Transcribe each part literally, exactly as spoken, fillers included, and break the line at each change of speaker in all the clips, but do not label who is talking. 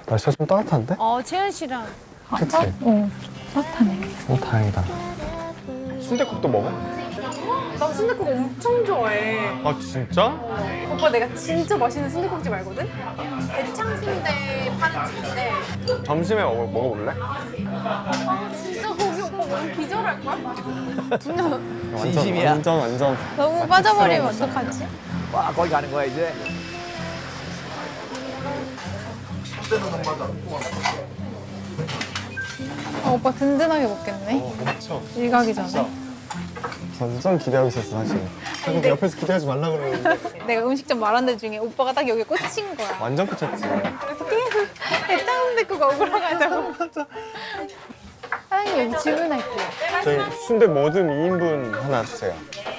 날씨가 좀 따뜻한데?
어, 채연 씨랑.
그치?
어, 따뜻하네.
어, 다행이다. 순댓국도 먹어?
나 순댓국 엄청 좋아해.
아, 진짜?
오빠 내가 진짜 맛있는 순댓국집 알거든? 대창순대 파는 집인데.
점심에 먹어, 먹어볼래?
아, 진짜 거기 오빠 너무 기절할걸? 진짜.
완전,
진심이야.
완전, 완전.
너무 빠져버리면 어떡하지?
와, 거기 가는 거야 이제.
아, 오빠 든든하게 먹겠네.
어, 엄청.
일 가기 전에.
진짜. 완전 기대하고 있었어, 사실. 자꾸 옆에서 기대하지 말라 그러는데.
내가 음식점 말한 데 중에 오빠가 딱 여기 꽂힌 거야.
완전 끝쳤지.
그래서 계속 대창순댓국 먹으러 가자고. 사장님 여기 질문할게요.
저희 순대 뭐든 이 인분 하나 주세요.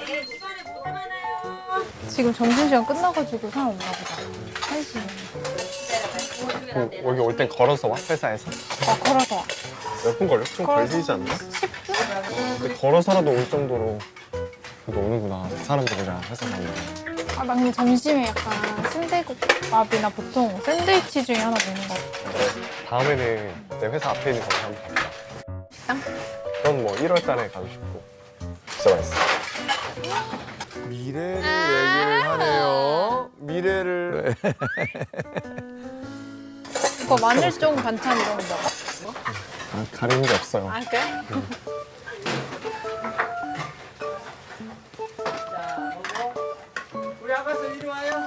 지금 점심시간 끝나가지고 사람 없나 보다. 한 시면.
그, 여기 올 땐 걸어서 와, 회사에서?
아, 걸어서 와.
몇 분 걸려? 좀
걸어서
걸리지 않나?
십 분?
근데 걸어서라도 올 정도로 그래도 오는구나, 사람들이랑 회사 가면.
아, 나 근데 점심에 약간 순대국밥이나 보통 샌드위치 중에 하나 먹는 거 같아.
다음에는 내 회사 앞에 있는 거기 한번 가보자.
식당?
그건 뭐 일월 달에 가고 싶고. 진짜 맛있어.
미래를 얘기를 하네요. 미래를.
오빠 마늘종 반찬 이런 거 먹어?
아, 가리는 게 없어요.
아, 그래?
우리 아가씨 이리 와요.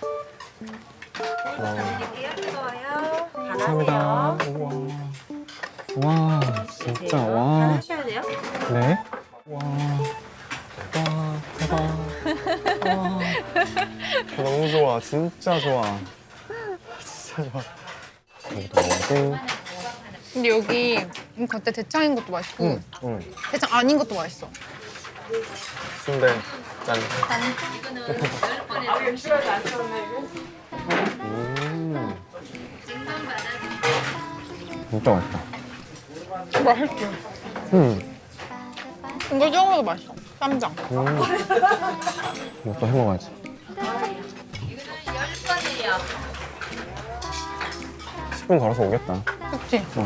감사합니다. 우와. 와, 진짜, 와.
하셔야 돼요.
네? 와. 와, 대박. 와. 너무 좋아. 진짜 좋아. 진짜 좋아. 여기도 먹고.
근데 여기 이 겉에 대창인 것도 맛있고
응, 응.
대창 아닌 것도 맛있어.
순대, 짠.
아, 추가도 안 쳤네, 이거.
음. 진짜 맛있다.
맛있지?
음.
이거 찍어도 맛있어. 쌈장.
음. 이것도 해 먹어야지. 십 분 걸어서 오겠다.
그치?
응.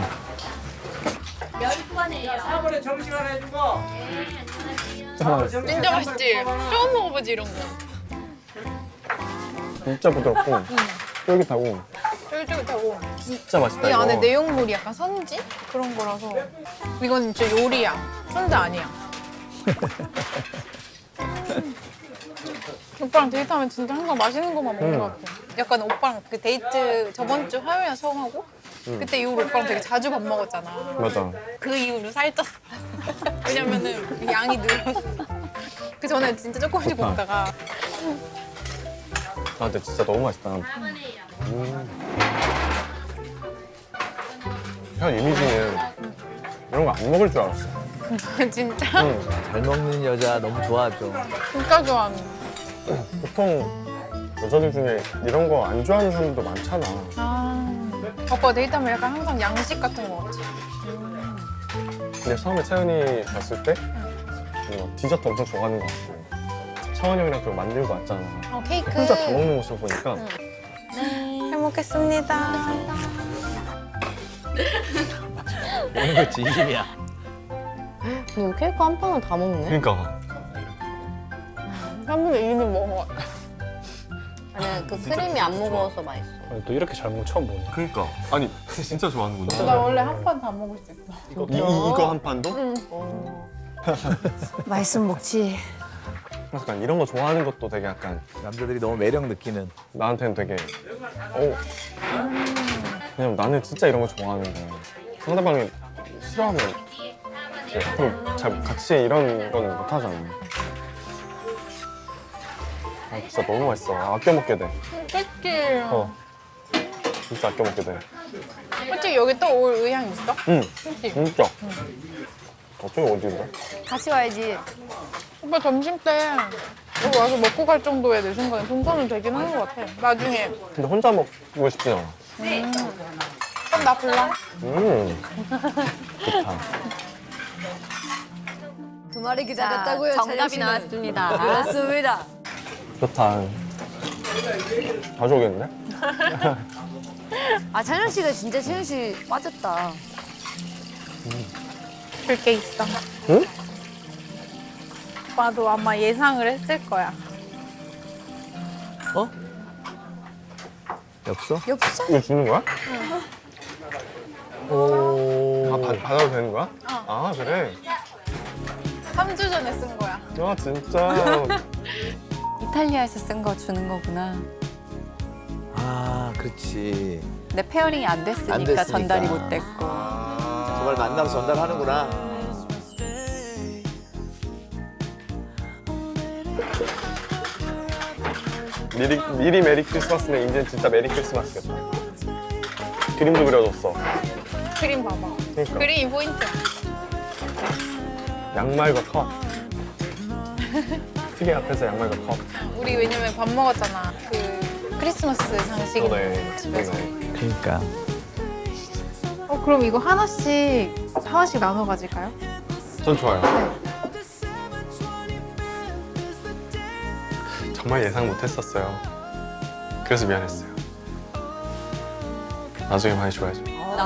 사 번에 점심 하나 해주고.
진짜 맛있어.
진짜 맛있지? 처음 먹어보지 이런 거.
진짜 부드럽고 쫄깃하고
쫄깃쫄깃하고
진짜 맛있다.
이
이거.
안에 내용물이 약간 선지? 그런 거라서 이건 진짜 요리야. 순대 아니야. 음. 오빠랑 데이트하면 진짜 항상 맛있는 것만 먹는
음.
것 같아. 약간 오빠랑 그 데이트 저번 주 화요일에 처음 하고
음.
그때 이후로 오빠랑 되게 자주 밥 먹었잖아.
맞아.
그 이후로 살쪘어. 왜냐면은 양이 늘었어. 그 전에 진짜 조금씩
좋다.
먹다가
아, 근데 진짜 너무 맛있다. 음. 현 이미지는 이런 거 안 먹을 줄 알았어.
진짜
응.
잘 먹는 여자 너무 좋아하죠.
진짜 좋아하는.
보통 여자들 중에 이런 거 안 좋아하는 사람들도 많잖아.
아, 오빠 데이트하면 약간 항상 양식 같은 거 같지?
근데 처음에 채연이 봤을 때 뭔가 디저트 엄청 좋아하는 것 같고 차원 형이랑 또 만들고 왔잖아.
어, 케이크.
혼자 다 먹는 모습 보니까
잘 먹겠습니다.
이런 거 진심이야.
너 케이크 한 판을 다 먹네?
그러니까
삼분의 이는 먹어.
아니 그 크림이 안 무거워서 맛있어.
또 이렇게 잘 먹는 거 처음 보네.
그러니까 아니 진짜 좋아하는구나.
나 원래 한 판 다 먹을 수 있어.
이, 이, 이거 한 판도?
맛있으면 먹지.
그래서 약간 이런 거 좋아하는 것도 되게 약간
남자들이 너무 매력 느끼는.
나한테는 되게 어 왜냐면 나는 진짜 이런 거 좋아하는데 상대방이 싫어하면 앞으로 잘 같이 이런 건 못 하잖아. 아 진짜 너무 맛있어. 아껴 먹게 돼.
그치?
어 진짜 아껴 먹게 돼.
솔직히 여기 또 올 의향 있어?
응
그치?
진짜. 어떻게 어디인데?
같이 와야지.
오빠 점심 때 여기 와서 먹고 갈 정도의 내 생각엔 동선은 되긴 하는 것 같아. 나중에.
근데 혼자 먹고 싶진 않아.
음. 그럼 나 불러.
음 좋다.
그 말이 기다렸다고요. 정답이 차려 씨는. 나왔습니다. 그렇습니다.
좋다. 자주 오겠는데?
아 찬영 씨가 진짜 채영 씨 빠졌다.
줄 게 있어.
응?
오빠도 아마 예상을 했을 거야.
어? 엽서?
엽서?
이거 주는 거야?
오.
아, 받, 받아도 되는 거야? 아, 그래?
삼 주 전에 쓴 거야.
아, 진짜.
이탈리아에서 쓴 거 주는 거구나.
아, 그렇지.
근데 페어링이 안 됐으니까,
안 됐으니까.
전달이 못 됐고.
정말 만나서 전달하는구나.
미리, 미리 메리 크리스마스네. 이제 진짜 메리 크리스마스겠다. 그림도 그려줬어.
그림 봐봐.
그러니까.
그림이 포인트야.
양말과 컵. 시계 앞에서 양말과 컵.
우리 왜냐면 밥 먹었잖아. 그 크리스마스 장식
그러네.
집에서.
그러네.
그러니까.
어 그럼 이거 하나씩 하나씩 나눠 가질까요?
전 좋아요. 정말 예상 못했었어요. 그래서 미안했어요. 나중에 많이 좋아해줘.